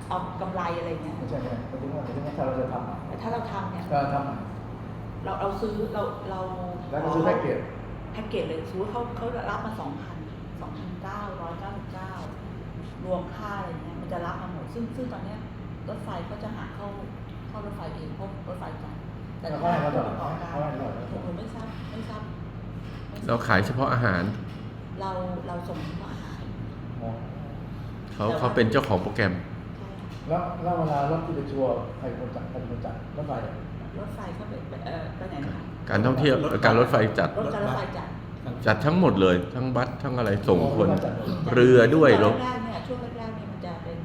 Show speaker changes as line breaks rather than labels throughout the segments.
เอากำไรอะไรเงี้ย
ไม่ใช่ไม่ถึงว่าถ้าเราจะทำ
แต่ถ้าเราทำเนี่ย
ก็ทำ
เราซื้อเรา
แล้วก็ซื้อแพ็กเกจ
เลยซื้อเขารับมา2,999รวมค่าอะไรเงี้ยมันจะรับมาหมดซึ่งตอนเนี้ยรถไฟเขาจะหาเข้ารถไฟเองเพราะรถไฟจ่ายแต่ถ้าผู้ประกอบการผมไม่ทราบ
เราขายเฉพาะอาหาร
เราส่งเฉพาะอาหาร
เขาเป็นเจ้าของโปรแกรม
แล้วเวลารถที่ไปทัวร์ใครคนจัดรถไฟ
เขาไปไหนนะคะ
การท่องเที่ยวการรถไฟจัดทั้งหมดเลยทั้งบัสทั้งอะไรส่งคนเรือด้วย
รถช่วงแรกเนี่ยมันจะเป็น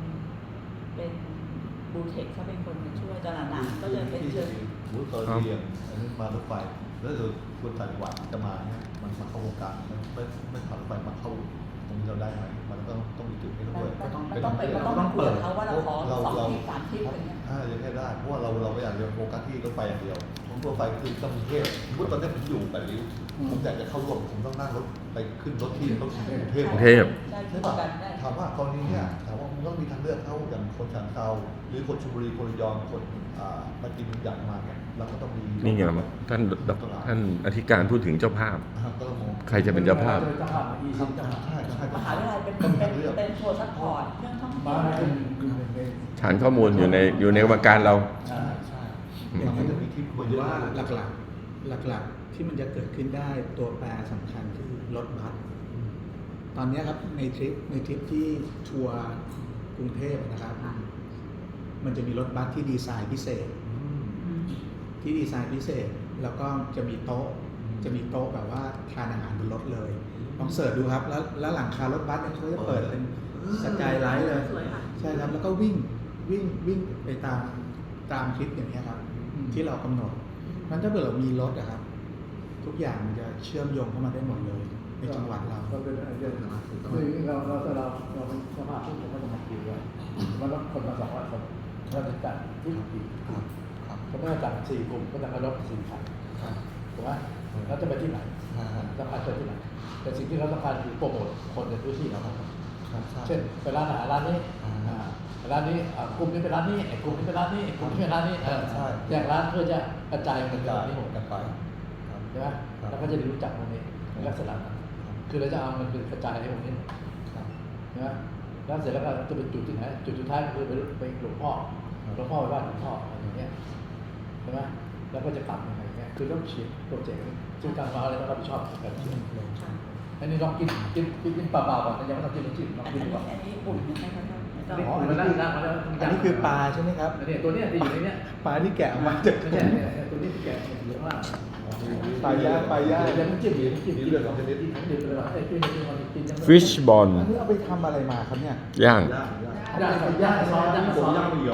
บูเทคเขาเป็นคนมาช่วยตอนหลังๆก็จะเป็นเชิญ
ตอนเรียนอันนี้มารถไฟแล้วเดี๋ยวคนต่างจังหวัดจะมาเนี่ยมันมาเข้าวงการไม่ผ่านรถไฟมาเข้าตรงนี้เราได้ไหมมันต้องมีจุดนี้ด้วย
ต้องเปิดเขาว่าเราขอ2 ที่ 3 ที่อะไรเงี้ย
ยังแค่ได้เพราะว่าเราไม่อยากจะโฟกัสที่รถไฟอย่างเดียวผมรถไฟคือกรุงเทพสมมติตอนนี้ผมอยู่8 ริ้วผมอยากจะเข้าร่วมผมต้องนั่งรถไปขึ้นรถที่ต้องกรุงเทพใช่ป่ะถามว่ากรณีเนี่ยถามว่ามันต้องมีทางเลือกเข้าอย่างคนฉะเทราหรือคนชลบุรีคนระยองคนมากินอย่างมาเนี่ยเราก็ต้องมี
นี่ไงท่านอธิการพูดถึงเจ้าภาพใครจะเป็นเจ้าภาพ
มหาวิทยาลัยเป็นทัวร์ซัพพอร์ตเรื่องท่องเที่ยว
ฐานข้อมูลอยู่ในกรรมการเรา
ใช่
มันจะมีที่ควรว่าหลักที่มันจะเกิดขึ้นได้ตัวแปรสำคัญคือรถบัสตอนนี้ครับในทริปที่ทัวร์กรุงเทพนะครับมันจะมีรถบัสที่ดีไซน์พิเศษแล้วก็จะมีโต๊ะแบบว่าทานอาหารบนรถเลยลองเสิร์ชดูครับแล้วหลังคารถบัสเนี่ยเขาจะเปิดเป็นสกายไลท์เลยใช่ครับแล้วก็วิ่งไปตามคลิปอย่างนี้ครับที่เรากำหนดนั้นถ้าเกิดเรามีรถอะครับทุกอย่างมันจะเชื่อมโยงเข้ามาได้หมดเลยในจังหวัดเรา
เป็นไอเดียเราเป็นสภาพผู้คนก็จะมาคิวไว้มันต้องคนมา200 คนเราจะจัดที่กี่เขาไม่ได้จัด4 กลุ่มก็จะมารถ4 คันถูกไหมแล้วจะไปที่ไหนจะพาไปที่ไหนแต่สิ่งที่เราต้องการคือโปรโมทคนในพื้นที่เราเช่นไปร้านอาหารร้านนี้กลุ่มนี้เป็นร้านนี้กลุ่มนี้เป็นร้านนี้กลุ่มนี้เป็นร้านนี้แยกร้านเพื่อจะกระจายเงินที่ผมกันไปใช่ไหมแล้วก็จะได้รู้จักตรงนี้ในลักษณะนั้นคือเราจะเอามันเป็นกระจายในตรงนี้ใช่ไหมแล้วเสร็จแล้วก็จะเป็นจุดที่ไหนจุดสุดท้ายคือไปหลวงพ่อไปบ้านหลวงพ่ออย่างเงี้ยใช่ไหมแล้วก็จะกลับยังไงเงี้ยคือต้องฉีดโปรเจกต์ซึ่งการมาอะไรต้องรับผิดชอบแบบนี้อันนี้ลองกินเปล่าๆก่อนยังไม่ต้องกินน้ำจิ้มลองกินดูก่อน
อันนี้อุ่นนะครับ
อันนี้คือปลาใช่ไหมครับ
เนี่ยตัวนี้ที่อยู่ในนี้
ปลาที่แกะออกมาจาก
ตัวนี้ที่แกะเยอะมาก
ปลาย่าง
น้ำจิ้ม
เรื่องของชนิดที่
ฟิชบอล
อันนี้เอาไปทำอะไรมาครับเนี่ย
ย่าง
ซอส